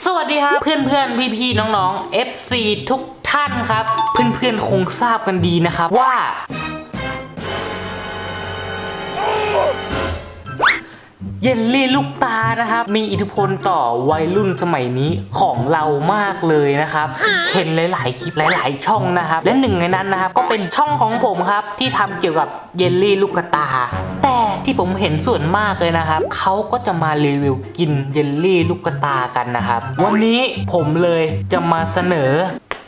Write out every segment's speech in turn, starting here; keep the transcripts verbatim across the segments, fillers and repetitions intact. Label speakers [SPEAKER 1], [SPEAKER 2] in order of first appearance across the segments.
[SPEAKER 1] สวัสดีครับเพื่อนเพื่อนพี่พี่น้องๆ เอฟ ซี ทุกท่านครับ เพื่อนเพื่อนคงทราบกันดีนะครับว่าเยลลี่ลูกตานะครับมีอิทธิพลต่อวัยรุ่นสมัยนี้ของเรามากเลยนะครับเห็นหลายๆคลิปหลายๆช่องนะครับและหนึ่งในนั้นนะครับก็เป็นช่องของผมครับที่ทำเกี่ยวกับเยลลี่ลูกตาแต่ที่ผมเห็นส่วนมากเลยนะครับเขาก็จะมารีวิวกินเยลลี่ลูกตากันนะครับวันนี้ผมเลยจะมาเสนอ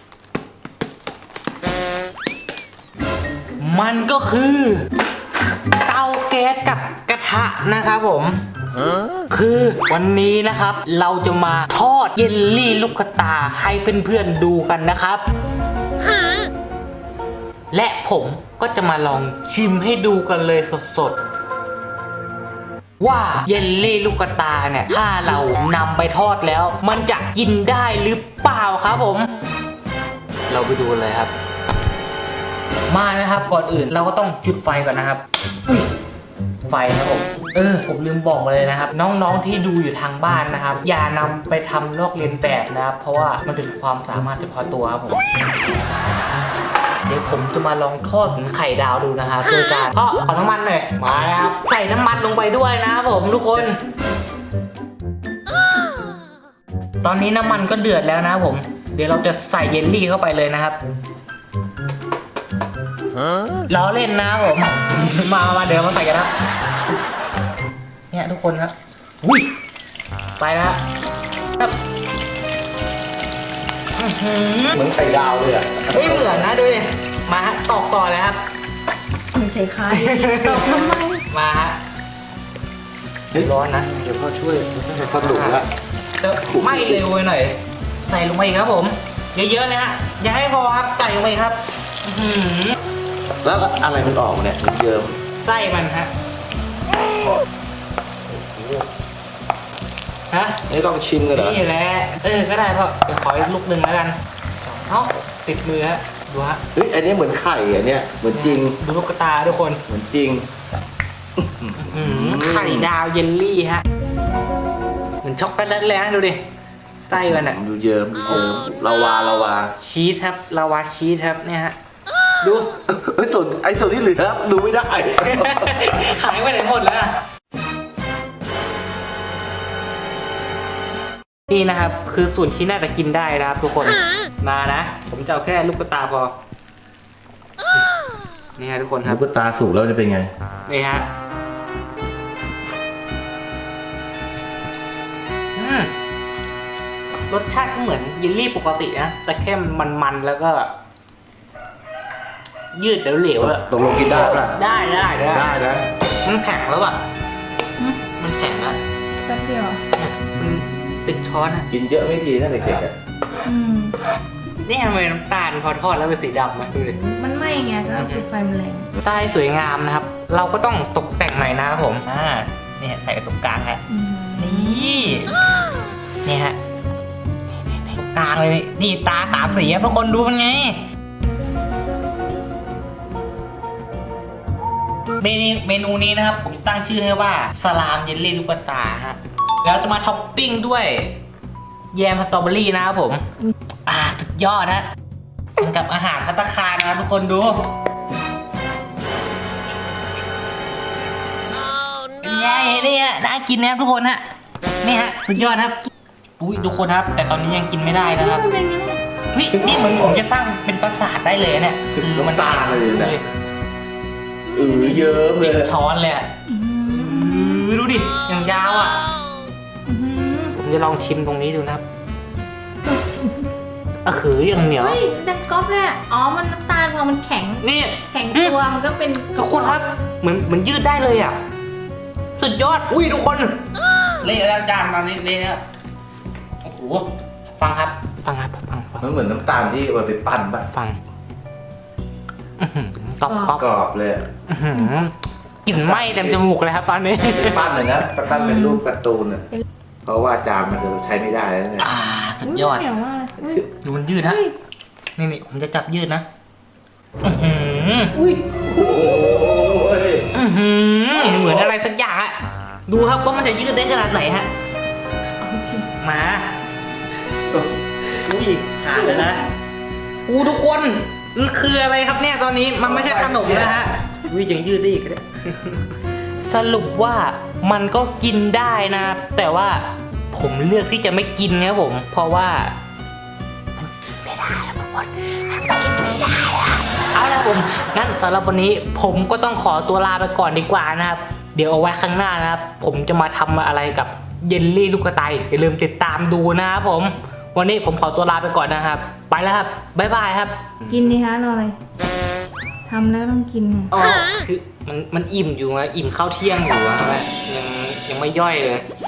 [SPEAKER 1] มันก็คือเตาแก๊สกับกระทะนะครับผมคือวันนี้นะครับเราจะมาทอดเยลลี่ลูกตาให้เพื่อนๆดูกันนะครับและผมก็จะมาลองชิมให้ดูกันเลยสดๆว่าเยลลี่ลูกตาเนี่ยถ้าเรานำไปทอดแล้วมันจะกินได้หรือเปล่าครับผมเราไปดูเลยครับมานะครับก่อนอื่นเราก็ต้องจุดไฟก่อนนะครับไฟครับผมเออผมลืมบอกมาเลยนะครับน้องๆที่ดูอยู่ทางบ้านนะครับอย่านำไปทำลอกเลียนแบบนะครับเพราะว่ามันเป็นความสามารถเฉพาะตัวครับผมเดี๋ยวผมจะมาลองทอดเหมือนไข่ดาวดูนะครับโดยการเพาะขอน้ำมันหน่อยมาแล้วครับใส่น้ำมันลงไปด้วยนะครับผมทุกคนตอนนี้น้ำมันก็เดือดแล้วนะครับผมเดี๋ยวเราจะใส่เยลลี่เข้าไปเลยนะครับล้อเล่นนะผมมามาเดี๋ยวมาใส่กันครับเนี่ยทุกคนครับอุ้ยไปแล้วครับ
[SPEAKER 2] เหมือนไข่ดาวเลยอ่ะ
[SPEAKER 1] ไม่เหมือนนะดูดิมาฮะตอกต่อเลยครับ
[SPEAKER 3] มันใจคายตอกทำไม
[SPEAKER 1] มาฮะร้อนนะ
[SPEAKER 2] เดี๋ยวพ่อช่วยช่วยสนุกแล้ว
[SPEAKER 1] ไม่เร็วไปหน่อยใส่ลงไปครับผมเยอะๆเลยฮะอย่าให้พอครับใส่ลงไปครับ
[SPEAKER 2] แล้วอะไรมันออกเนี่ยเยิ้ม
[SPEAKER 1] ไส้มันฮะฮะ
[SPEAKER 2] นี่ต้องชิมกันเหรอ
[SPEAKER 1] นี่แหละเออก็ได้พ่อเดี๋ยวขออีกลูกหนึ่งแล้วกันเอ้าติดมือฮะดูฮะ
[SPEAKER 2] เฮ้ยอันนี้เหมือนไข่อ่ะเนี่ยเหมือนจริง
[SPEAKER 1] ดูลูกตาทุกคน
[SPEAKER 2] เหมือนจริง
[SPEAKER 1] ไข่ดาวเยลลี่ฮะเหมือนช็อกโกแลตเลยฮะดูดิไส้มันอ่ะ
[SPEAKER 2] ดูเยิ้มดูเยิ้มลาวาลาวา
[SPEAKER 1] ชีสครับลาวาชีสครับเนี่ยฮะดู
[SPEAKER 2] ไอ้ส่วนไอ้ส่วนที่เหลือดูไม่ได้
[SPEAKER 1] หายไปไหนหมดแล้วนี่นะครับคือส่วนที่น่าจะกินได้นะครับทุกคนมานะผมจะเอาแค่ลูกตาพอนี่ฮะทุกคนครับ
[SPEAKER 2] ลูกตาสุกแล้วจะเป็นไง
[SPEAKER 1] นี่ฮะรสชาติก็เหมือนเยลลี่ปกตินะแต่แค่มันมันๆแล้วก็ยืดเหลวๆอะ
[SPEAKER 2] ตกลงกินได้ป่ะ
[SPEAKER 1] ได้ได้ได้
[SPEAKER 2] ได้นะ
[SPEAKER 1] มันแข็งแล้วอ่ะมันแข็งแล้ว
[SPEAKER 3] แป๊บเดียว
[SPEAKER 1] มันติดช้อนอ่ะ
[SPEAKER 2] กินเยอะไม่ดีนะเด็กๆอ่ะ
[SPEAKER 1] นี่ทำไมน้ำตาลพอทอดแล้วเป็นสีดำมาดูดิ
[SPEAKER 3] มันไหม้ไงก็คือไฟมันแรง
[SPEAKER 1] ไส้สวยงามนะครับเราก็ต้องตกแต่งหน่อยนะครับผมอ่านี่ใส่ตรงกลางฮะนี่นี่ฮะตรงกลางเลยนี่ตาสามสีทุกคนดูมันไงเมนูเมนูนี้นะครับผมตั้งชื่อให้ว่าสลามเยลลี่ลูกตาฮะแล้วจะมาท็อปปิ้งด้วยแยมสตรอเบอรี่นะครับผมอ่าสุดยอดฮะกินกับอาหารภัตตาคารนะครับทุกคนดูเป็นไงเนี่ยน่ากินนะครับทุกคนฮะนี่ฮะสุดยอดครับอุ้ยทุกคนครับแต่ตอนนี้ยังกินไม่ได้นะครับเฮ้ยนี่เหมือนผมจะสร้างเป็นปราสาทได้เลยเนี่ยคือมัน
[SPEAKER 2] ตาเลยนะเออเยอะเลย
[SPEAKER 1] ช้อนเลยอ่ะดูดิอย่างยาวอ่ะผมจะลองชิมตรงนี้ดูนะครับอ่ะคืออย่างเหนียว
[SPEAKER 3] เฮ้ยดังก๊อบเลยอ๋อมันน้ำตาลพอมันแข็ง
[SPEAKER 1] นี่
[SPEAKER 3] แข็งตัวมันก็เป็น
[SPEAKER 1] ทุกคนครับเหมือนเหมือนยืดได้เลยอ่ะสุดยอดอุ้ยทุกคนเละแล้วจานตอนนี้เละแล้วโอ้โหฟังครับฟังครับฟัง
[SPEAKER 2] มันเหมือนน้ำตาลที่เอาไปปั้นป่ะ
[SPEAKER 1] ฟังกรอบกรอบ
[SPEAKER 2] กรอบเลย
[SPEAKER 1] กลิ่นไหม้เต็มจมูกเลยครับตอนนี้
[SPEAKER 2] ปั้นเลยนะปั้นเป็นรูปการ์ตูนอ่ะเพราะว่าจานมันจะใช้ไม่ได้แล้วเนี่ย
[SPEAKER 1] อ่าสุดยอดดูมันยืดฮะนี่นี่ผมจะจับยืดนะ
[SPEAKER 3] อุ้ย
[SPEAKER 1] เหมือนอะไรสักอย่างอะดูครับว่ามันจะยืดได้ขนาดไหนฮะมาเลยนะอู้ทุกคนมันคืออะไรครับเนี่ยตอนนี้มันไม่ใช่ขนมนะฮะวิยังยืดได้อีกเลย สรุปว่ามันก็กินได้นะแต่ว่าผมเลือกที่จะไม่กินครับผมเพราะว่ามันกินไม่ได้ครับทุกคนมันกินไม่ได้อะเอาละผมงั้นสำหรับวันนี้ผมก็ต้องขอตัวลาไปก่อนดีกว่านะครับเดี๋ยวเอาไว้ข้างหน้านะครับผมจะมาทำอะไรกับเยลลี่ลูกกระต่ายอย่าลืมติดตามดูนะครับผมวันนี้ผมขอตัวลาไปก่อนนะครับไปแล้วครับบ๊ายบายครับ
[SPEAKER 3] กินดิคะรออะไรทำแล้วต้องกินไง
[SPEAKER 1] อ๋อคือมันมันอิ่มอยู่นะอิ่มข้าวเที่ยงอยู่นะยังยังไม่ย่อยเลย